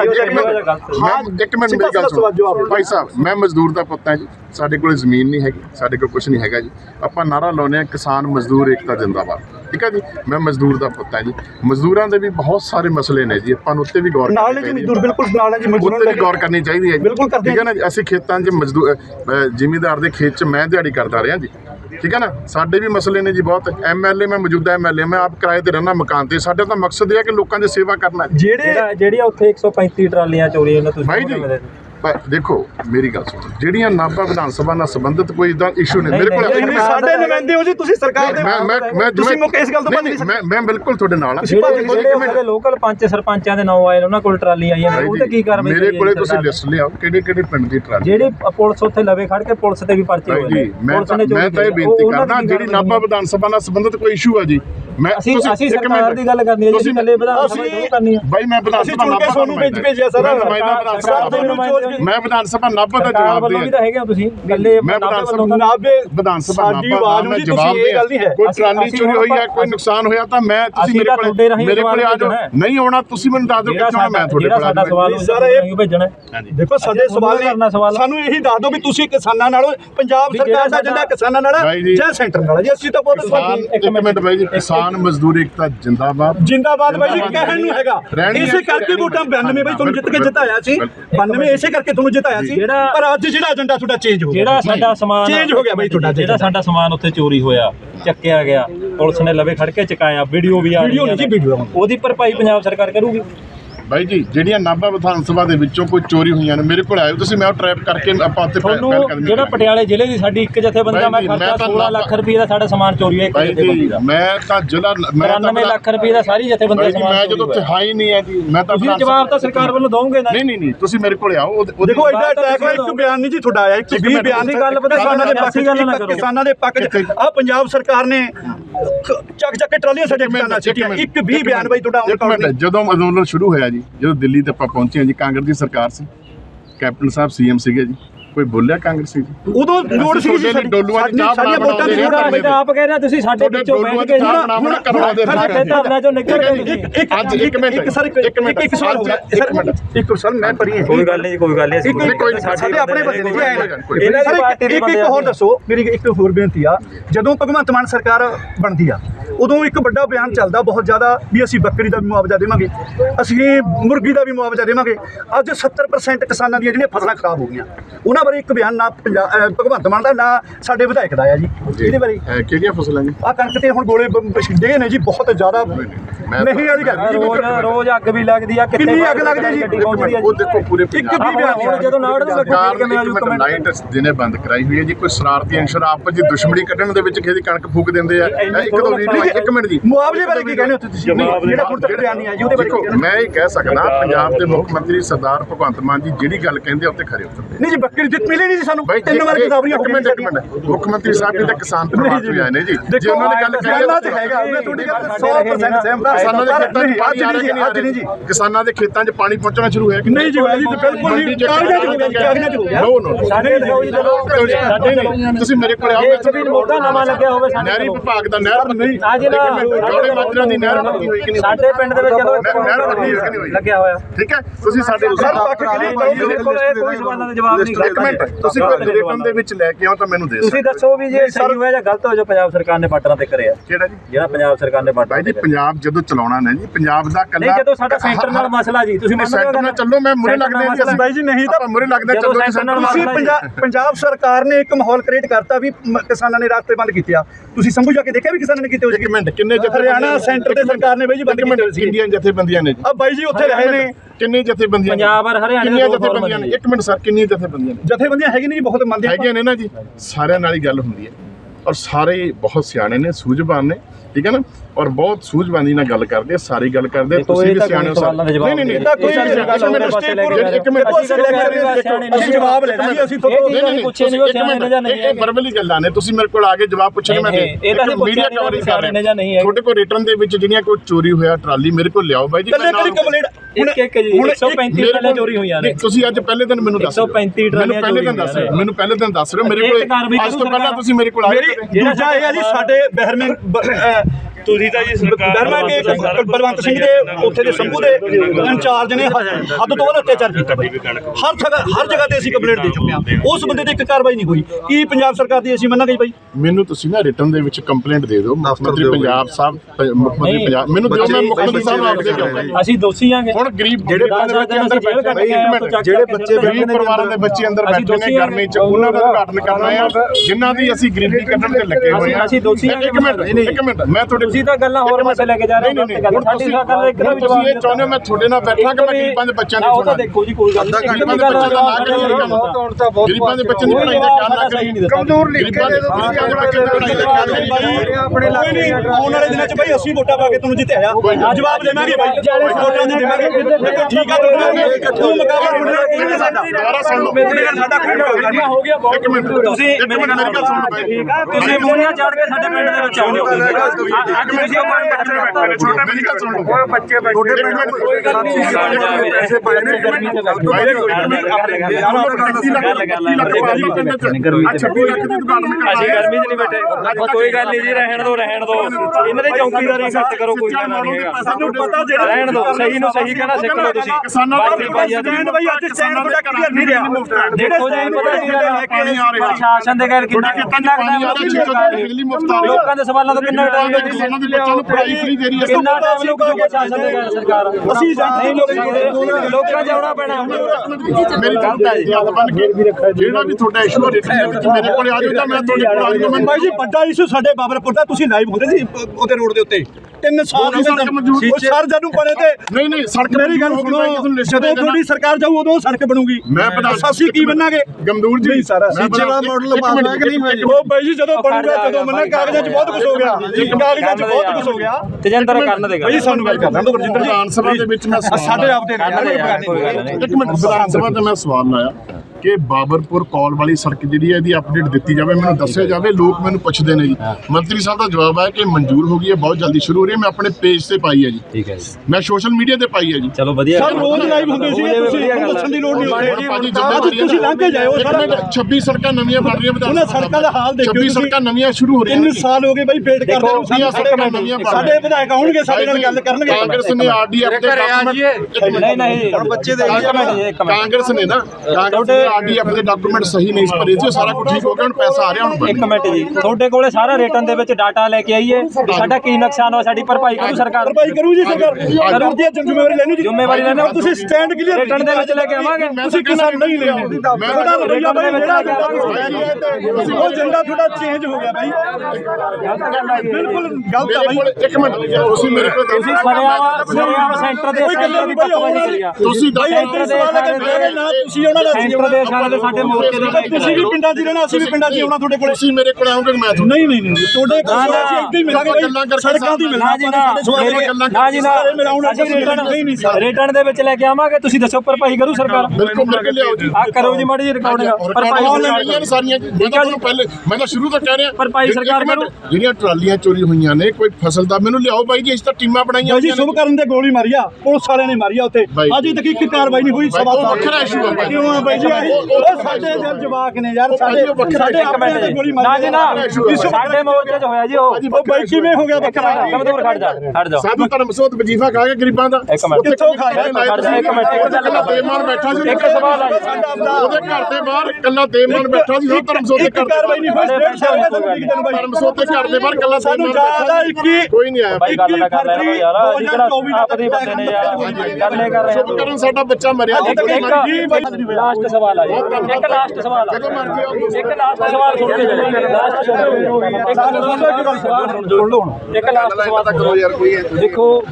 ਮੇਰੀ ਗੱਲ ਸੁਣੋ ਭਾਈ ਸਾਹਿਬ। ਮੈਂ ਮਜ਼ਦੂਰ ਦਾ ਪੁੱਤ ਹਾਂ ਜੀ। ਸਾਡੇ ਕੋਲ ਜ਼ਮੀਨ ਨਹੀਂ ਹੈਗੀ, ਸਾਡੇ ਕੋਲ ਕੁਝ ਨਹੀਂ ਹੈਗਾ ਜੀ। ਆਪਾਂ ਨਾਰਾ ਲਾਉਂਦੇ ਹਾਂ ਕਿਸਾਨ ਮਜ਼ਦੂਰ ਏਕਤਾ ਜਿੰਦਾਬਾਦ। ਠੀਕ ਹੈ ਜੀ। ਮੈਂ ਮਜ਼ਦੂਰ ਦਾ ਪੁੱਤ ਹਾਂ ਜੀ। ਮਜ਼ਦੂਰਾਂ ਦੇ ਵੀ ਬਹੁਤ ਸਾਰੇ ਮਸਲੇ ਨੇ ਜੀ, ਆਪਾਂ ਨੂੰ ਉੱਤੇ ਵੀ ਗੌਰ
ਨਾਲ ਜੀ। ਮਜ਼ਦੂਰ ਬਿਲਕੁਲ ਨਾਲ ਹੈ ਜੀ, ਮਜ਼ਦੂਰਾਂ
ਉੱਤੇ ਵੀ ਗੌਰ ਕਰਨੀ ਚਾਹੀਦੀ ਹੈ।
ਬਿਲਕੁਲ ਕਰਦੇ।
ਠੀਕ ਹੈ ਨਾ ਜੀ। ਅਸੀਂ ਖੇਤਾਂ 'ਚ ਮਜ਼ਦੂਰ ਜ਼ਿਮੀਂਦਾਰ ਦੇ ਖੇਤ 'ਚ ਮੈਂ ਦਿਹਾੜੀ ਕਰਦਾ ਰਿਹਾ ਜੀ। ਠੀਕ ਹੈ ਨਾ। ਸਾਡੇ ਵੀ ਮਸਲੇ ਨੇ ਜੀ ਬਹੁਤ। ਐਮਐਲਏ ਮੈਂ ਮੌਜੂਦਾ ਐਮਐਲਏ, ਮੈਂ ਆਪ ਕਿਰਾਏ ਤੇ ਰਹਿਣਾ ਮਕਾਨ ਤੇ। ਸਾਡਾ ਤਾਂ ਮਕਸਦ ਇਹ ਹੈ ਕਿ ਲੋਕਾਂ ਦੀ ਸੇਵਾ ਕਰਨਾ।
ਜਿਹੜੀਆਂ ਉੱਥੇ 135 ਟਰਾਲੀਆਂ ਚੋਰੀ ਉਹਨਾਂ ਤੁਸੀਂ
ਭਾਈ ਜੀ ਦੇਖੋ ਮੇਰੀ ਗੱਲ ਸੁਣੋ, ਜਿਹੜੀਆਂ ਨਾਭਾ ਵਿਧਾਨ ਸਭਾ ਨਾਲ ਸੰਬੰਧਿਤ ਕੋਈ ਇਦਾਂ ਇਸ਼ੂ ਨਹੀਂ ਮੇਰੇ ਕੋਲ।
ਸਾਡੇ ਨੁਮਾਇੰਦੇ ਹੋ ਜੀ ਤੁਸੀਂ ਸਰਕਾਰ ਦੇ। ਤੁਸੀਂ ਮੁੱਖ ਇਸ ਗੱਲ ਤੋਂ ਬਾਅਦ
ਮੈਂ ਬਿਲਕੁਲ ਤੁਹਾਡੇ ਨਾਲ ਹਾਂ।
ਜਿਹੜੇ ਲੋਕਲ ਪੰਚ ਸਰਪੰਚਾਂ ਦੇ ਨਾਂ ਆਏ ਉਹਨਾਂ ਕੋਲ ਟਰਾਲੀ ਆਈਆਂ ਨੇ, ਉਹ ਤੇ ਕੀ ਕਾਰਵਾਈ?
ਮੇਰੇ ਕੋਲੇ ਤੁਸੀਂ ਲਿਸਟ ਲਿਆਓ ਕਿਹੜੇ ਪਿੰਡ ਦੀ ਟਰਾਲੀ।
ਜਿਹੜੀ ਪੁਲਿਸ ਉੱਥੇ ਲਵੇ ਖੜ ਕੇ ਪੁਲਿਸ ਤੇ ਵੀ ਪਰਚੇ ਹੋਏ ਨੇ।
ਮੈਂ ਤਾਂ ਇਹ ਬੇਨਤੀ ਕਰਦਾ, ਜਿਹੜੀ ਨਾਭਾ ਵਿਧਾਨ ਸਭਾ ਨਾਲ ਸੰਬੰਧਿਤ ਕੋਈ ਇਸ਼ੂ ਹੈ ਜੀ,
ਅਸੀਂ ਸਰਕਾਰ ਦੀ ਗੱਲ ਕਰਨੀ ਹੈ ਜੀ, ਇਕੱਲੇ ਵਿਧਾਨ ਸਭਾ ਦੀ ਕਰਨੀ ਹੈ।
ਬਾਈ ਮੈਂ ਵਿਧਾਨ ਸਭਾ ਨਾਭਾ
ਤੁਹਾਨੂੰ ਭੇਜਿਆ ਸਰ।
ਮੈਂ ਵਿਧਾਨ ਸਭਾ ਨਾਭਾ ਦਾ ਜਵਾਬ ਦੇ।
ਵੀ ਤਾਂ ਹੈਗੇ ਤੁਸੀਂ ਇਕੱਲੇ
ਮੈਂ ਵਿਧਾਨ ਸਭਾ ਨਾਭਾ ਦਾ ਮੈਂ ਜਵਾਬ ਦੇ। ਕੋਈ ਟਰਾਲੀ ਚੋਰੀ ਹੋਈ ਹੈ, ਕੋਈ ਨੁਕਸਾਨ ਹੋਇਆ ਤਾਂ ਮੈਂ ਤੁਸੀਂ ਮੇਰੇ ਕੋਲੇ ਆ ਜਾਓ। ਨਹੀਂ ਆਉਣਾ ਤੁਸੀਂ ਮੈਨੂੰ ਦੱਸ ਦਿਓ ਕਿੱਥੋਂ ਮੈਂ ਤੁਹਾਡੇ ਕੋਲ।
ਸਾਡਾ ਸਵਾਲ ਉਹ ਭੇਜਣਾ।
ਦੇਖੋ ਸਾਡੇ ਸਵਾਲ ਸਾਨੂੰ ਇਹੀ ਦੱਸ ਦਿਓ ਵੀ ਤੁਸੀਂ ਕਿਸਾਨਾਂ ਨਾਲੋਂ ਪੰਜਾਬ ਸਰਕਾਰ ਦਾ ਏਜੰਡਾ ਕਿਸਾਨਾਂ ਨਾਲ ਜਾਂ ਸੈਂਟਰ ਨਾਲ ਜੀ। ਅਸੀਂ ਤਾਂ ਬਹੁਤ ਸਵਾਲ।
ਇੱਕ ਮਿੰਟ ਬਾਈ ਜੀ, ਕਿਸਾਨ ਮਜ਼ਦੂਰ ਏਕਤਾ ਜਿੰਦਾਬਾਦ
ਜਿੰਦਾਬਾਦ ਬਾਈ ਜੀ ਕਹਿਣ ਨੂੰ ਹੈਗਾ। ਇਸੇ ਕਰਕੇ ਵੋਟਾਂ 92 ਬਾਈ ਤੁਹਾਨੂੰ ਜਿੱਤ ਕੇ ਜਿਤਾਇਆ ਸੀ। 92 ਇਸੇ ਕਰਕੇ ਤੁਹਾਨੂੰ ਜਿਤਾਇਆ ਸੀ। ਪਰ ਅੱਜ ਜਿਹੜਾ ਏਜੰਡਾ ਤੁਹਾਡਾ ਚੇਂਜ ਹੋ ਗਿਆ,
ਜਿਹੜਾ ਸਾਡਾ ਸਮਾਨ
ਚੇਂਜ ਹੋ ਗਿਆ ਬਾਈ ਤੁਹਾਡਾ।
ਜਿਹੜਾ ਸਾਡਾ ਸਮਾਨ ਉੱਥੇ ਚੋਰੀ ਹੋਇਆ, ਚੱਕਿਆ ਗਿਆ, ਪੁਲਿਸ ਨੇ ਲਵੇ ਖੜ ਕੇ ਚਕਾਇਆ, ਵੀਡੀਓ ਵੀ ਆ ਰਹੀ ਹੈ, ਉਹਦੀ ਭਰਪਾਈ ਪੰਜਾਬ ਸਰਕਾਰ ਕਰੂਗੀ।
ਬਾਈ ਜੀ ਜਿਹੜੀਆਂ ਨਾਭਾ ਵਿਧਾਨ ਸਭਾ ਦੇ ਵਿੱਚੋਂ ਕੋਈ ਚੋਰੀ ਹੋਈਆਂ ਨੇ ਮੇਰੇ ਕੋਲ ਆਇਓ ਤੁਸੀਂ, ਮੈਂ ਉਹ ਟਰੈਪ ਕਰਕੇ ਆਪਾਂ ਉੱਥੇ ਪਹਿਲ ਕਰਨੀ।
ਜਿਹੜਾ ਪਟਿਆਲੇ ਜ਼ਿਲ੍ਹੇ ਦੀ ਸਾਡੀ ਇੱਕ ਜਥੇਬੰਦਾ ਮੈਂ ਖਰਚਾ 16 ਲੱਖ ਰੁਪਏ ਦਾ ਸਾਡਾ ਸਮਾਨ ਚੋਰੀ ਹੋਇਆ।
ਮੈਂ ਤਾਂ ਜ਼ਿਲ੍ਹਾ
93 ਲੱਖ ਰੁਪਏ ਦਾ ਸਾਰੀ ਜਥੇਬੰਦੀ ਦਾ ਸਮਾਨ।
ਮੈਂ ਜਦੋਂ ਉੱਥੇ ਹਾਈ ਨਹੀਂ ਹੈ ਜੀ, ਮੈਂ ਤਾਂ
ਤੁਸੀਂ ਜਵਾਬ ਤਾਂ ਸਰਕਾਰ ਵੱਲੋਂ ਦੋਗੇ ਨਾ।
ਨਹੀਂ ਤੁਸੀਂ ਮੇਰੇ ਕੋਲ ਆਓ।
ਦੇਖੋ ਐਡਾ ਅਟੈਕ ਹੋਇਆ, ਇੱਕ ਬਿਆਨ ਨਹੀਂ ਜੀ ਤੁਹਾਡਾ ਆਇਆ, 20 ਬਿਆਨ ਦੀ ਗੱਲ ਪਤਾ ਕਿਸਾਨਾਂ ਦੇ ਪੱਖ ਚ, ਕਿਸਾਨਾਂ ਦੇ ਪੱਖ ਚ ਆ ਪੰਜਾਬ ਸਰਕਾਰ ਨੇ ਚੱਕ ਕੇ ਟਰਾਲੀਆਂ ਸਾਡੇ ਕਿਸਾਨਾਂ ਸਿੱਟੀਆਂ। ਇੱਕ 20 ਬਿਆਨ ਬਾਈ ਤੁਹਾਡਾ।
ਜਦੋਂ ਅੰਦੋਲਨ ਸ਼ੁਰੂ ਹੋਇਆ ਜੀ, ਜਦੋਂ ਦਿੱਲੀ ਤੇ ਆਪਾਂ ਪਹੁੰਚੇ ਹਾਂ ਜੀ, ਕਾਂਗਰਸ ਦੀ ਸਰਕਾਰ ਸੀ, ਕੈਪਟਨ ਸਾਹਿਬ ਸੀਐਮ ਸੀਗੇ ਜੀ, ਕੋਈ ਬੋਲਿਆ ਕਾਂਗਰਸੀ ਜੀ?
ਉਦੋਂ ਲੋੜ ਸੀ ਜੀ
ਡੋਲੂਆਂ ਦੀ ਚਾਹ
ਸਾਡੀਆਂ ਵੋਟਾਂ ਦੀ ਲੋੜ।
ਅਸੀਂ ਤਾਂ ਆਪ ਕਹਿ ਰਹੇ ਤੁਸੀਂ ਸਾਡੇ ਵਿੱਚੋਂ ਬੈਠ ਕੇ
ਹੁਣ ਕਰਵਾ ਦੇ
ਧਰਨਾ ਚੋਂ ਨਿਕਲ ਗਏ।
ਅੱਜ ਇੱਕ ਮਿੰਟ
ਇੱਕ ਸਵਾਲ ਹੋ ਗਿਆ ਸਰ। ਇੱਕ ਸਰ ਮੈਂ ਪਰੀ
ਕੋਈ ਗੱਲ ਨਹੀਂ, ਕੋਈ ਗੱਲ ਨਹੀਂ।
ਸਾਡੇ ਆਪਣੇ ਬੰਦੇ ਨੇ ਜੀ। ਇਹਨਾਂ ਦੀ ਪਾਰਟੀ ਦੇ ਬੰਦੇ। ਇੱਕ ਹੋਰ ਦੱਸੋ, ਮੇਰੀ ਇੱਕ ਹੋਰ ਬੇਨਤੀ ਆ। ਜਦੋਂ ਭਗਵੰਤ ਮਾਨ ਸਰਕਾਰ ਬਣਦੀ ਆ, ਉਦੋਂ ਇੱਕ ਵੱਡਾ ਬਿਆਨ ਚੱਲਦਾ ਬਹੁਤ ਜ਼ਿਆਦਾ ਵੀ ਅਸੀਂ ਬੱਕਰੀ ਦਾ ਵੀ ਮੁਆਵਜ਼ਾ ਦੇਵਾਂਗੇ, ਅਸੀਂ ਮੁਰਗੀ ਦਾ ਵੀ ਮੁਆਵਜ਼ਾ ਦੇਵਾਂਗੇ। ਅੱਜ 70% ਕਿਸਾਨਾਂ ਦੀਆਂ ਜਿਹੜੀਆਂ ਫਸਲਾਂ ਖਰਾਬ ਹੋ ਗਈਆਂ, ਉਹਨਾਂ ਬਾਰੇ ਇੱਕ ਬਿਆਨ ਨਾ ਭਗਵੰਤ ਮਾਨ ਦਾ, ਨਾ ਸਾਡੇ ਵਿਧਾਇਕ ਦਾ ਆ ਜੀ। ਇਹਦੇ ਬਾਰੇ
ਕਿਹੜੀਆਂ ਫਸਲਾਂ ਜੀ?
ਆ ਕਣਕ ਤੇ ਹੁਣ ਗੋਲੇ ਛਿੰਡੇ ਨੇ ਜੀ ਬਹੁਤ ਜ਼ਿਆਦਾ। ਨਹੀਂ ਅੱਜ
ਰੋਜ਼ ਅੱਗ ਵੀ ਲੱਗਦੀ ਆ।
ਕਿੰਨੀ ਅੱਗ ਲੱਗਦੀ ਜੀ?
ਉਹ ਦੇਖੋ ਪੂਰੇ
ਇੱਕ ਵੀ ਬਿਆਨ
ਜਦੋਂ ਨਾੜ ਨੂੰ
ਸਰਕਾਰ ਨੇ ਲਾਈਟ ਦਿਨੇ ਬੰਦ ਕਰਾਈ ਹੋਈ ਹੈ ਜੀ। ਕੋਈ ਸ਼ਰਾਰਤੀ ਅੰਸ਼ਰ ਆਪਸ ਵਿੱਚ ਦੁਸ਼ਮਣੀ ਕੱਢਣ ਦੇ ਵਿੱਚ ਕਿਸੇ ਦੀ ਕਣਕ ਫੂਕ ਦਿੰਦੇ ਆ। ਇੱਕ ਦੋ ਵੀਡੀਓ। ਇੱਕ ਮਿੰਟ ਜੀ,
ਮੁਆਵਜ਼ੇ ਬਾਰੇ ਕੀ ਕਹਿੰਦੇ ਹੋ ਤੁਸੀਂ? ਜਿਹੜਾ ਹੁਣ ਤੱਕ ਬਿਆਨ ਨਹੀਂ ਆਇਆ ਜੀ, ਉਹਦੇ ਬਾਰੇ
ਮੈਂ ਇਹ ਕਹਿ ਸਕਦਾ ਪੰਜਾਬ ਦੇ ਮੁੱਖ ਮੰਤਰੀ ਸਰਦਾਰ ਭਗਵੰਤ ਮਾਨ ਜੀ ਜਿਹੜੀ ਗੱਲ ਕਹਿੰਦੇ ਉੱਤੇ ਖਰੇ ਉਤਰਦੇ
ਨਹੀਂ ਜੀ। ਬੱਕਰੀ ਜਿੱਤ ਮਿਲੀ ਨਹੀਂ ਜੀ ਸਾਨੂੰ। 3 ਵਾਰ ਕਿਤਾਬੀਆਂ ਹੋ ਗਈਆਂ।
ਮੁੱਖ ਮੰਤਰੀ ਸਾਹਿਬ ਜੀ ਤਾਂ ਕਿਸਾਨ ਪਰਿਵਾਰ ਤੋਂ ਆਏ ਨੇ ਜੀ। ਜੇ ਉਹਨਾਂ ਨੇ ਗੱਲ ਕਹੀ
ਹੈਗਾ, ਮੈਂ ਤੁਹਾਡੀ ਗੱਲ 100% ਸਹਿਮਤ ਹਾਂ।
ਕਿਸਾਨਾਂ ਦੇ ਖੇਤਾਂ 'ਚ ਪਾਣੀ ਆ ਰਿਹਾ ਕਿ ਨਹੀਂ ਜੀ? ਕਿਸਾਨਾਂ ਦੇ ਖੇਤਾਂ 'ਚ ਪਾਣੀ ਪਹੁੰਚਣਾ ਸ਼ੁਰੂ ਹੋਇਆ ਕਿ
ਨਹੀਂ ਜੀ? ਬਿਲਕੁਲ ਨਹੀਂ। ਕਾਗਜ਼ਾਂ 'ਚ ਹੋ ਗਿਆ।
ਨੋ ਤੁਸੀਂ ਮੇਰੇ ਕੋਲ ਆਓ।
ਮੋਟਾ ਨਵਾਂ ਲੱਗਿਆ ਹੋਵੇ
ਨਹਿਰੀ ਵਿਭਾਗ ਦਾ ਨਹਿਰ
ਨਹੀਂ
ਜੋੜੇ ਮਾਜਰਾ ਦੀ ਨਹਿਰ ਲੱਗੀ ਹੋਈ ਕਿ ਨਹੀਂ?
ਸਾਡੇ ਪਿੰਡ ਦੇ ਵਿੱਚ ਜਦੋਂ
ਨਹਿਰ ਲੱਗੀ ਹੋਈ
ਲੱਗਿਆ ਹੋਇਆ।
ਠੀਕ ਹੈ, ਤੁਸੀਂ ਸਾਡੇ
ਸਰ ਪੱਖ
ਕੋਈ ਸਵਾਲਾਂ ਦਾ ਜਵਾਬ ਨਹੀਂ।
ਮਿੰਟ ਤੁਸੀਂ ਕੋਈ ਰਿਟਰਨ ਦੇ ਵਿੱਚ ਲੈ ਕੇ ਆਓ ਤਾਂ ਮੈਨੂੰ ਦੇ
ਤੁਸੀਂ ਦੱਸੋ ਵੀ ਜੇ ਸਹੀ ਹੋਇਆ ਜਾਂ ਗਲਤ ਹੋਇਆ ਜੋ ਪੰਜਾਬ ਸਰਕਾਰ ਨੇ ਬਾਰਡਰਾਂ ਤੇ ਕਰਿਆ
ਕਿਹੜਾ ਜੀ
ਜਿਹੜਾ ਪੰਜਾਬ ਸਰਕਾਰ ਨੇ ਬਾਰਡਰ
ਭਾਈ ਜੀ ਪੰਜਾਬ ਜਦੋਂ ਚਲਾਉਣਾ ਨਾ ਜੀ ਪੰਜਾਬ ਦਾ
ਨਹੀਂ ਜਦੋਂ ਸਾਡਾ ਸੈਂਟਰ ਨਾਲ ਮਸਲਾ ਜੀ ਤੁਸੀਂ
ਸੈਂਟਰ ਨਾਲ ਚੱਲੋ ਮੈਂ ਮੁਰੇ ਲੱਗਦੇ ਜੀ ਅਸੀਂ
ਬਾਈ ਜੀ ਨਹੀਂ ਤਾਂ
ਮੁਰੇ ਲੱਗਦਾ ਚੱਲੋ
ਤੁਸੀਂ ਪੰਜਾਬ ਸਰਕਾਰ ਨੇ ਇੱਕ ਮਾਹੌਲ ਕ੍ਰੀਏਟ ਕਰਤਾ ਵੀ ਕਿਸਾਨਾਂ ਨੇ ਰਾਸਤੇ ਬੰਦ ਕੀਤੇ ਆ ਤੁਸੀਂ ਸੰਭੂ ਜਾ ਕੇ ਦੇਖਿਆ ਵੀ ਕਿਸਾਨਾਂ ਨੇ ਕੀਤੇ ਹੋਏ
ਇੱਕ ਮਿੰਟ ਕਿੰਨੇ
ਹਰਿਆਣਾ ਸੈਂਟਰ ਤੇ ਸਰਕਾਰ ਨੇ ਬਾਈ ਜੀ ਬੰਦ ਕੀਤੇ ਹੋਏ ਸੀ
ਕਿੰਨੀਆਂ ਜਥੇਬੰਦੀਆਂ ਨੇ
ਆ ਬਾਈ ਜੀ ਉੱਥੇ ਰਹੇ ਨੇ
ਕਿੰਨੇ ਜਥੇਬੰਦੀਆਂ
ਪੰਜਾਬ ਔਰ ਹਰਿਆਣਾ
ਕਿੰਨੀਆਂ ਜਥੇਬੰਦੀਆਂ ਨੇ ਇੱਕ ਮਿੰਟ ਸਰ ਕਿੰਨੀਆਂ ਜਥੇਬੰਦੀਆਂ ਨੇ
ਜਥੇਬੰਦੀਆਂ ਹੈਗੀਆਂ ਨੇ ਜੀ ਬਹੁਤ ਮੰਨਦੇ
ਹੈਗੀਆਂ ਨੇ ਨਾ ਜੀ ਸਾਰਿਆਂ ਨਾਲ ਹੀ ਗੱਲ ਹੁੰਦੀ ਹੈ ਔਰ ਸਾਰੇ ਬਹੁਤ ਸਿਆਣੇ ਨੇ ਸੂਝਵਾਨ ਨੇ ਠੀਕ ਹੈ ਨਾ ਔਰ ਬਹੁਤ ਸੂਝਵਾਨੀ ਨਾਲ ਗੱਲ ਕਰਦੇ ਆ ਸਾਰੀ ਗੱਲ ਕਰਦੇ ਤੁਸੀਂ ਵੀ ਸਿਆਣੇ ਹੋ ਨਹੀਂ ਨਹੀਂ
ਤਾਂ ਕੋਈ ਇੱਕ ਮਿੰਟ ਅਸੀਂ ਜਵਾਬ ਲੈਣਾ ਜੀ ਅਸੀਂ
ਤੁਹਾਨੂੰ ਪੁੱਛੇ ਨਹੀਂ ਉਹ ਸਿਆਣੇ ਜਾਂ ਨਹੀਂ ਇਹ ਵਰਬਲੀ ਗੱਲਾਂ ਨੇ ਤੁਸੀਂ ਮੇਰੇ ਕੋਲ ਆ ਕੇ ਜਵਾਬ ਪੁੱਛਣੇ ਮੈਂ
ਇਹ ਤਾਂ
ਮੀਡੀਆ ਕਵਰੇਜ ਕਰ ਰਹੇ ਜਾਂ ਨਹੀਂ ਤੁਹਾਡੇ ਕੋਲ ਰਿਟਰਨ ਦੇ ਵਿੱਚ ਜਿਹੜੀਆਂ ਕੋਈ ਚੋਰੀ ਹੋਇਆ ਟਰਾਲੀ ਮੇਰੇ ਕੋਲ ਲਿਆਓ ਬਾਈ ਜੀ
ਇੱਕ ਜੀ 135 ਟਰਾਲੀਆਂ ਚੋਰੀ ਹੋਈਆਂ ਨੇ
ਤੁਸੀਂ ਅੱਜ ਪਹਿਲੇ ਦਿਨ ਮੈਨੂੰ ਦੱਸ
135 ਟਰਾਲੀਆਂ
ਮੈਨੂੰ ਪਹਿਲੇ ਦਿਨ ਦੱਸ ਰਹੇ ਮੇਰੇ ਕੋਲ ਅੱਜ ਤੋਂ ਪਹਿਲਾਂ ਤੁਸੀਂ ਮੇਰੇ ਕੋਲ ਆਏ
ਦੂਜਾ ਇਹ ਹੈ ਜੀ ਸਾਡੇ ਬਹਿਰਮੇ
ਤੁਸੀਂ ਤਾਂ ਜੀ ਸਰਕਾਰ
ਬਲਵੰਤ ਸਿੰਘ ਦੇ ਉੱਥੇ ਦੇ ਸੰਭੂ ਦੇ ਇੰਚਾਰਜ ਨੇ ਹੱਦ ਤੋਂ ਵੱਧ ਅਤਿਆਚਾਰ ਕੀਤਾ ਹਰ ਜਗ੍ਹਾ ਤੇ ਅਸੀਂ ਕੰਪਲੇਂਟ ਦੇ ਚੁੱਕੇ ਹਾਂ ਉਸ ਬੰਦੇ ਤੇ ਇੱਕ ਕਾਰਵਾਈ ਨਹੀਂ ਹੋਈ ਕੀ ਪੰਜਾਬ ਸਰਕਾਰ ਦੀ ਅਸੀਂ ਮੰਨਾਂਗੇ ਬਾਈ
ਮੈਨੂੰ ਤੁਸੀਂ ਨਾ ਰਿਟਰਨ ਦੇ ਵਿੱਚ ਕੰਪਲੇਂਟ ਦੇ ਦਿਓ ਮੁੱਖ ਮੰਤਰੀ ਪੰਜਾਬ ਸਾਹਿਬ ਮੁੱਖ ਮੰਤਰੀ ਪੰਜਾਬ ਮੈਨੂੰ ਦਿਓ ਮੈਂ ਮੁੱਖ ਮੰਤਰੀ ਸਾਹਿਬ ਆਪ ਦੇ ਜਾਊਂਗਾ
ਅਸੀਂ ਦੋਸ਼ੀ ਆਂਗੇ
ਹੁਣ ਗਰੀਬ ਜਿਹੜੇ ਬੱਚੇ ਗਰੀਬ ਪਰਿਵਾਰਾਂ ਦੇ ਬੱਚੇ ਅੰਦਰ ਬੈਠੇ ਨੇ ਗਰਮੀ ਚ ਉਹਨਾਂ ਦਾ ਉਦਘਾਟਨ ਕਰਨਾ ਹੈ ਜਿਨ੍ਹਾਂ ਦੀ ਅਸੀਂ ਗਰੀਬੀ ਕੱਢਣ ਤੇ ਲੱਗੇ ਹੋਏ ਹਾਂ
ਅਸੀਂ ਦੋਸ਼ੀ
ਇੱਕ ਮਿੰਟ ਮੈਂ ਤੁਹਾਡੇ
ਤੁਸੀਂ ਤਾਂ ਗੱਲਾਂ ਹੋਰ ਪਾਸੇ ਲੈ ਕੇ ਜਾ ਰਹੇ ਹੋ ਸਾਡੀ ਸਰਕਾਰ ਦਾ ਇੱਕ ਵੀ
ਤੁਸੀਂ ਇਹ ਚਾਹੁੰਦੇ ਹੋ ਮੈਂ ਤੁਹਾਡੇ ਨਾਲ ਬੈਠਾਂ ਕਿ ਮੈਂ ਗਰੀਬਾਂ ਦੇ ਬੱਚਿਆਂ ਦੀ
ਉਹ ਤਾਂ ਦੇਖੋ ਜੀ ਕੋਈ ਗੱਲ ਨਹੀਂ
ਗਰੀਬਾਂ ਦੇ ਬੱਚਿਆਂ ਦਾ ਨਾ ਕਰੀਏ ਗਰੀਬਾਂ ਦੇ ਬੱਚਿਆਂ ਦੀ ਪੜ੍ਹਾਈ ਦਾ ਖਿਆਲ ਨਾ ਕਰੀਏ
ਕਮਜ਼ੋਰ ਗਰੀਬਾਂ ਦੇ ਬੱਚਿਆਂ ਦੀ ਪੜ੍ਹਾਈ ਦਾ ਖਿਆਲ ਆਪਣੇ ਇਲਾਕੇ ਆਉਣ ਵਾਲੇ ਦਿਨਾਂ 'ਚ ਬਾਈ ਅਸੀਂ ਵੋਟਾਂ ਪਾ ਕੇ ਤੁਹਾਨੂੰ ਜਿੱਤਿਆ ਜਵਾਬ ਦੇਵਾਂਗੇ ਬਾਈ ਵੋਟਾਂ ਦੇ ਦੇਵਾਂਗੇ ਠੀਕ ਆ ਤੂੰ ਮੁਕਾਬਲਾ ਮੁੰਡੇ ਸਾਡਾ
ਦੁਬਾਰਾ ਸੁਣ ਲਓ
ਸਾਡਾ ਕੋਈ
ਹੋ ਗਿਆ
ਇੱਕ ਮਿੰਟ
ਤੁਸੀਂ
ਮੇਰੀ ਗੱਲ ਸੁਣ ਲਓ
ਠੀਕ ਆ ਤੁਸੀਂ ਮੂਹਰੀਆਂ ਚੜ ਕੇ ਸਾਡੇ ਪਿੰਡ ਦੇ ਵਿੱਚ ਆਉਂਦੇ ਹੋ
ਮੇਰੀ ਗੱਲ ਸੁਣ ਲਓ ਬੱਚੇ
ਕੋਈ ਗੱਲ ਨਹੀਂ
ਪੈਸੇ ਪਾਏ ਨੇ
ਅਸੀਂ ਗਰਮੀ 'ਚ ਨਹੀਂ ਬੈਠੇ ਕੋਈ ਗੱਲ ਨਹੀਂ ਜੀ ਰਹਿਣ ਦੋ ਇਹਨਾਂ ਦੇ ਚੌਕੀਦਾਰੀ ਘੱਟ ਕਰੋ ਕੋਈ ਗੱਲ ਨਹੀਂ ਹੈਗਾ
ਸਾਨੂੰ ਪਤਾ ਜਿਹੜਾ
ਰਹਿਣ ਦੋ ਸਹੀ ਨੂੰ ਸਹੀ ਕਹਿਣਾ ਸਿੱਖ ਲਓ ਤੁਸੀਂ
ਸਟੈਂਡ ਬਾਈ ਅੱਜ ਸਟੈਂਡ ਤੁਹਾਡਾ ਕਲੀਅਰ ਨਹੀਂ ਰਿਹਾ
ਦੇਖੋ ਜੀ ਪਤਾ ਕੀ ਗੱਲ ਪ੍ਰਸ਼ਾਸਨ ਦੇ ਘਰ ਕਿੰਨਾ
ਬਿਜਲੀ ਮੁਫਤ ਆ ਰਹੀ ਹੈ
ਲੋਕਾਂ ਦੇ ਸਵਾਲਾਂ ਤੋਂ ਕਿੰਨਾ ਟਾਈਮ
ਕਿਸਾਨਾਂ ਦੇ ਬੱਚਿਆਂ ਨੂੰ ਪੜ੍ਹਾਈ ਫ੍ਰੀ ਦੇ ਰਹੀ ਹੈ
ਕਿੰਨਾ ਟਾਈਮ ਲੱਗੂ ਪ੍ਰਸ਼ਾਸਨ ਦੇ ਘਰ ਸਰਕਾਰ
ਅਸੀਂ ਜਾਣਦੇ
ਲੋਕਾਂ ਜਾਉਣਾ ਪੈਣਾ
ਮੇਰੀ ਗੱਲ ਹੈ ਹੱਥ ਬੰਨ ਕੇ ਜਿਹੜਾ ਵੀ ਤੁਹਾਡਾ ਇਸ਼ੂ ਰਿਟਰਨ ਦੇ ਵਿੱਚ ਮੇਰੇ ਕੋਲ ਆ ਜਾਓ ਤਾਂ ਮੈਂ ਤੁਹਾਡੇ ਕੋਲ ਆ ਜਾਊਂਗਾ
ਬਾਈ ਜੀ ਵੱਡਾ ਇਸ਼ੂ ਸਾਡੇ ਬਾਬਰਪੁਰ ਦਾ ਤੁਸੀਂ ਲਾਈਵ ਹੁੰਦੇ ਸੀ ਉਹਦੇ ਰੋਡ ਦੇ ਉੱਤੇ 3 ਸਾਲ ਸਰ ਜਦੋਂ ਬਣੇ ਤੇ
ਨਹੀਂ ਸੜਕ
ਮੇਰੀ ਗੱਲ ਸੁਣੋ ਜਦੋਂ ਤੁਹਾਡੀ ਸਰਕਾਰ ਜਾਊ ਉਦੋਂ ਸੜਕ ਬਣੂਗੀ
ਮੈਂ
ਅਸੀਂ ਕੀ ਮੰਨਾਂਗੇ
ਗਮਦੂਰ ਜੀ
ਸਰ ਸੀਚੇ ਦਾ ਮਾਡਲ ਪਾਸਣਾ ਕਿ ਨਹੀਂ ਉਹ ਬਾਈ ਜੀ ਜਦੋਂ ਬਣੂਗਾ ਜਦੋਂ ਮੰਨਾਂ ਕਾਗਜ਼ਾਂ 'ਚ ਬਹੁਤ ਕੁਝ ਹੋ ਗਿਆ ਕਾਗਜ਼ਾਂ 'ਚ ਬਹੁਤ ਕੁਝ ਹੋ ਗਿਆ
ਤੇਜਿੰਦਰ ਕਰਨ ਦੇਗਾ
ਬਾਈ ਸਾਨੂੰ ਗੱਲ ਕਰਨਾ ਦੋ ਰਜਿੰਦਰ ਜੀ
ਵਿਧਾਨ ਸਭਾ ਦੇ ਵਿੱਚ ਮੈਂ
ਸਾਡੇ ਆਪ ਦੇ
ਇੱਕ ਮਿੰਟ ਵਿਧਾਨ ਸਭਾ ਤੇ ਮੈਂ ਸਵਾਲ ਲਾਇਆ ਕਿ ਬਾਬਰਪੁਰ ਕੌਲ ਵਾਲੀ ਸੜਕ ਜਿਹੜੀ ਹੈ ਇਹਦੀ ਅਪਡੇਟ ਦਿੱਤੀ ਜਾਵੇ ਮੈਨੂੰ ਦੱਸਿਆ ਜਾਵੇ ਲੋਕ ਮੈਨੂੰ ਪੁੱਛਦੇ ਨੇ ਜੀ ਮੰਤਰੀ ਸਾਹਿਬ ਦਾ ਜਵਾਬ ਹੈ ਕਿ ਮਨਜ਼ੂਰ ਹੋ ਗਈ ਹੈ ਬਹੁਤ ਜਲਦੀ ਸ਼ੁਰੂ ਹੋ ਰਹੀ ਹੈ ਮੈਂ ਆਪਣੇ ਪੇਜ ਤੇ ਪਾਈ ਹੈ ਜੀ
ਠੀਕ ਹੈ ਜੀ
ਮੈਂ ਸੋਸ਼ਲ ਮੀਡੀਆ ਤੇ ਪਾਈ ਹੈ ਜੀ
ਚਲੋ ਵਧੀਆ
ਸਰ ਰੋਜ਼ ਲਾਈਵ ਹੁੰਦੇ ਸੀ ਤੁਸੀਂ ਦੱਸਣ ਦੀ ਲੋੜ ਨਹੀਂ ਹੁੰਦੀ ਤੁਸੀਂ ਲੰਘ ਕੇ ਜਾਓ ਸਰ
26 ਸੜਕਾਂ ਨਵੀਆਂ ਬਣ ਰਹੀਆਂ ਵਿਧਾਨ
ਉਹਨਾਂ ਸੜਕਾਂ ਦਾ ਹਾਲ ਦੇਖੋ
26 ਸੜਕਾਂ ਨਵੀਆਂ ਸ਼ੁਰੂ ਹੋ ਰਹੀਆਂ
3 ਸਾਲ ਹੋ ਗਏ ਬਾਈ ਵੇਟ ਕਰਦੇ ਨੂੰ ਸਾਡੇ ਵਿਧਾਇਕ ਆਉਣਗੇ ਸਾਡੇ ਨਾਲ ਗੱਲ ਕਰਨਗੇ
ਕਾਂਗਰਸ ਨੇ ਆਰਡੀਐਫ ਦੇ ਡਾਕੂਮੈਂਟ
ਨਹੀਂ ਹੁਣ ਬੱਚੇ ਦੇ
ਕਾਂਗਰਸ ਨੇ ਨਾ ਕਾਂਗਰਸ ਨੇ ਆਰਡੀਐਫ ਦੇ ਡਾਕੂਮੈਂਟ ਸਹੀ ਨਹੀਂ ਭਰੇ ਸੀ ਸਾਰਾ ਕੁਝ ਠੀਕ ਹੋ ਗਿਆ ਹੁਣ ਪੈਸਾ ਆ ਰਿਹਾ ਹੁਣ
ਇੱਕ ਮਿੰਟ ਜੀ ਤੁਹਾਡੇ ਕੋਲੇ ਸਾਰਾ ਰਿਟਰਨ ਦੇ ਵਿੱਚ ਡਾਟਾ ਲੈ ਕੇ ਆਈਏ ਸਾਡਾ ਕੀ ਨੁਕਸਾਨ ਹੋਇਆ ਸਾਡੀ ਭਰਪਾਈ ਕਰੂ ਸਰਕਾਰ
ਭਰਪਾਈ ਕਰੂ ਜੀ ਸਰਕਾਰ ਕਰਦੀ ਹੈ ਜ਼ਿੰਮੇਵਾਰੀ ਲੈਣੀ ਜੀ
ਜ਼ਿੰਮੇਵਾਰੀ ਲੈਣੀ
ਤੁਸੀਂ ਸਟੈਂਡ ਕਲੀਅਰ
ਰਿਟਰਨ ਦੇ ਵਿੱਚ ਲੈ ਕੇ ਆਵਾਂਗੇ
ਤੁਸੀਂ ਕਿਸਾਨ ਨਹੀਂ ਲੈਣੀ ਤੁਹਾਡਾ ਰਵਈਆ ਬਾਈ ਜਿਹੜਾ ਉਹ ਏਜੰਡਾ ਤੁਹਾਡਾ ਚੇਂਜ ਹੋ ਗਿਆ ਬਾਈ ਬਿਲਕੁਲ ਗਲਤ ਹੈ ਬਾਈ
ਇੱਕ ਮਿੰਟ ਤੁਸੀਂ ਮੇਰੇ ਕੋਲ
ਤੁਸੀਂ ਸਰਿਆਵਾ ਸੈਂਟਰ ਦੇ
ਤੁਸੀਂ
ਸਵਾਲ ਹੈ ਨਾ ਤੁਸੀਂ ਉਹਨਾਂ ਦਾ
ਸੈਂਟਰ ਦੇ ਸਾਡੇ ਮੋਰਚੇ ਦੇ
ਤੁਸੀਂ ਵੀ ਪਿੰਡਾਂ 'ਚ ਰਹਿਣਾ ਅਸੀਂ ਵੀ ਪਿੰਡਾਂ 'ਚ ਆਉਣਾ ਤੁਹਾਡੇ ਕੋਲ
ਤੁਸੀਂ ਮੇਰੇ ਕੋਲ ਆਓਗੇ ਮੈਂ
ਨਹੀਂ ਤੁਹਾਡੇ ਕੋਲ ਅਸੀਂ ਇੱਥੇ ਹੀ ਮਿਲਾਂਗੇ ਸੜਕਾਂ ਦੀ
ਨਾ ਜੀ ਨਾ ਰਿਟਰਨ ਦੇ ਵਿੱਚ ਲੈ ਕੇ ਆਵਾਂਗੇ ਤੁਸੀਂ ਦੱਸੋ ਭਰਪਾਈ ਕਰੂ ਸਰਕਾਰ
ਬਿਲਕੁਲ ਮੇਰੇ ਕੋਲ ਲਿਆਓ ਜੀ
ਆ ਕਰੋ ਜੀ ਮਾੜੀ ਜੀ ਰਿਕਾਰਡਿੰਗ
ਭਰਪਾਈ ਸਾਰੀਆਂ ਪਹਿਲੇ ਮੈਂ ਤਾਂ ਸ਼ੁਰੂ ਤੋਂ ਕਹਿ ਰਿਹਾ
ਭਰਪਾਈ ਸਰਕਾਰ ਕਰੂ
ਜਿਹੜੀਆਂ ਟਰਾਲੀਆਂ ਚੋਰੀ ਹੋਈਆਂ ਨੇ ਕੋਈ ਫਸਲ ਦਾ ਮੈਨੂੰ ਲਿਆਓ ਬਾਈ ਜੀ ਅਸੀਂ ਤਾਂ ਟੀਮਾਂ ਬਣਾਈਆਂ
ਜੀ ਸ਼ੁਭ ਕਰਨ ਦੇ ਗੋਲੀ ਮਾਰੀ ਆ ਪੁਲਿਸ ਵਾਲਿਆਂ ਨੇ ਮਾਰੀ ਆ ਉੱਥੇ ਅਜੇ ਤੱਕ ਇੱਕ ਕਾਰਵਾਈ ਨਹੀਂ ਹੋਈ
ਵੱਖਰਾ ਇਸ਼ੂ ਹੈ
ਕਿਉਂ ਆ ਬਾਈ ਜੀ ਉਹ ਸਾਡੇ ਯਾਰ ਜਵਾਕ ਨੇ ਯਾਰ ਸਾਡੇ
ਇੱਕ ਮਿੰਟ ਜੀ ਨਾ ਜੀ ਨਾ ਸਾਡੇ ਮੋਰਚੇ 'ਚ ਹੋਇਆ ਜੀ ਉਹ
ਬਾਈ ਕਿਵੇਂ ਹੋ ਗਿਆ ਬੱਕਰਾ
ਕਮਦੂਰ ਖੜ ਜਾ
ਸਾਧੂ ਧਰਮ ਸੋਤ ਵਜੀਫਾ ਖਾ ਕੇ ਗਰੀਬਾਂ ਦਾ
ਇੱਕ ਮਿੰਟ
ਕਿੱਥੋਂ ਖਾਇਆ
ਖੜ ਜਾ ਇੱਕ ਮਿੰਟ ਇੱਕ ਗੱਲ
ਬੇਮਾਨ ਬੈਠਾ ਸੀ
ਇੱਕ ਸਵਾਲ ਆ
ਉਹਦੇ ਘਰ ਦੇ ਬਾਹਰ ਕੱਲਾ ਬੇਮਾਨ ਬੈਠਾ ਸੀ ਧਰਮ ਸੋਤ ਦੇ ਘਰ
ਕਾਰਵਾਈ ਨਹੀਂ ਹੋਈ ਡੇਢ ਸਾਲ ਦਾ ਸਾਨੂੰ ਦਿਖਦੇ ਨੂੰ ਬਾਈ
ਧਰਮ ਸੋਤ ਦੇ ਘਰ ਦੇ ਬਾਹਰ ਕੱਲਾ
ਸਾਨੂੰ ਜ਼ਿਆਦਾ 21
ਕੋਈ ਨਹੀਂ ਆਇਆ
ਬਾਈ ਗੱਲ ਨਾ ਕਰ ਲੈਣ ਦੋ ਯਾਰ ਅਸੀਂ ਕਿਹੜਾ ਆਪਦੇ ਬੰਦੇ ਨੇ ਯਾਰ ਗੱਲ ਇਹ ਕਰ ਰਹੇ
ਚੁੱਪ ਕਰਨ ਸਾਡਾ ਬੱਚਾ ਮਰਿਆ
ਲਾਸਟ ਸਵਾਲ ਆ ਜੀ ਇੱਕ ਲਾਸਟ ਸਵਾਲ ਆ ਇੱਕ ਲਾਸਟ ਸਵਾਲ ਸੁਣ ਕੇ ਜਾਓ ਲਾਸਟ ਸੁਣ ਲਓ ਇੱਕ ਲਾਸਟ ਸਵਾਲ
ਕਰੋ ਯਾਰ ਕੋਈ
ਦੇਖੋ